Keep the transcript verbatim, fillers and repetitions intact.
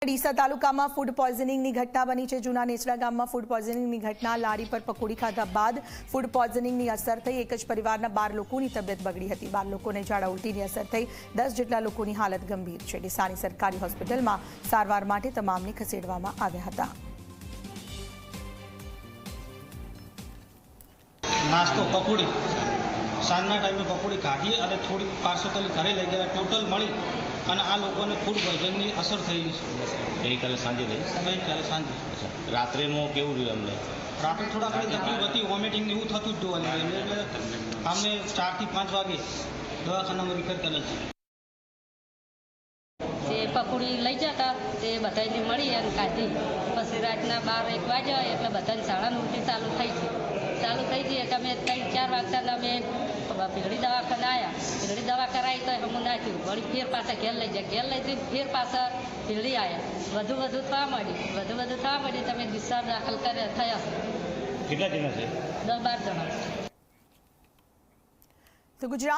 ડીસા તાલુકામાં ફૂડ પોઈઝનિંગની ઘટના બની છે। જૂના નેસડા ગામમાં ફૂડ પોઈઝનિંગની ઘટના। લારી પર પકોડી ખાધા બાદ ફૂડ પોઈઝનિંગની અસર થઈ। એક જ પરિવારના બાર લોકોની તબિયત બગડી હતી। બાર લોકોને ઝાડા ઉલટીની અસર થઈ। દસ જેટલા લોકોની હાલત ગંભીર છે। ડીસાની સરકારી હોસ્પિટલમાં સારવાર માટે તમામને ખસેડવામાં આવ્યા હતા। नास्तो पकोड़ी साँजना टाइम पकोड़ी खाधी और थोड़ी पार्सल घरे लई गया। टोटल मळी અને આ લોકોને ફૂડ પોઈઝનની અસર થયેલી છે। ગઈકાલે સાંજે થઈ ગઈકાલે સાંજે રાત્રેમાં કેવું રહ્યું અમને? રાત્રે થોડા ઘણી તકલીફ હતી, વોમિટિંગ ને એવું થતું જ જોવા મળ્યું। એટલે અમને ચારથી પાંચ વાગે દવાખાનામાં રિફર કરેલ છે। તે પકોડી લઈ જતા તે બધાને મળી અને ખાધી। પછી રાતના બાર એક વાગ્યા એટલે બધાને શાળાની ઉલટી ચાલુ થઈ છે ચાલુ થઈ ગઈ એટલે અમે ત્રણ ચાર વાગતા અમે ભીલડી દવાખાને આવ્યા। ભીલડી દવા કરાવી તો અમને નાખ્યું। વળી ફેર પાછા ઘેર લઈ જાય। ઘેર લઈ જઈને ફેર પાછા ભીલડી આવ્યા। વધુ વધુ થવા માંડી વધુ વધુ થવા માંડી તમે ડિસ્ચાર્જ દાખલ કર્યા થયા કેટલા જણા છે? દસ બાર જણા। તો ગુજરાત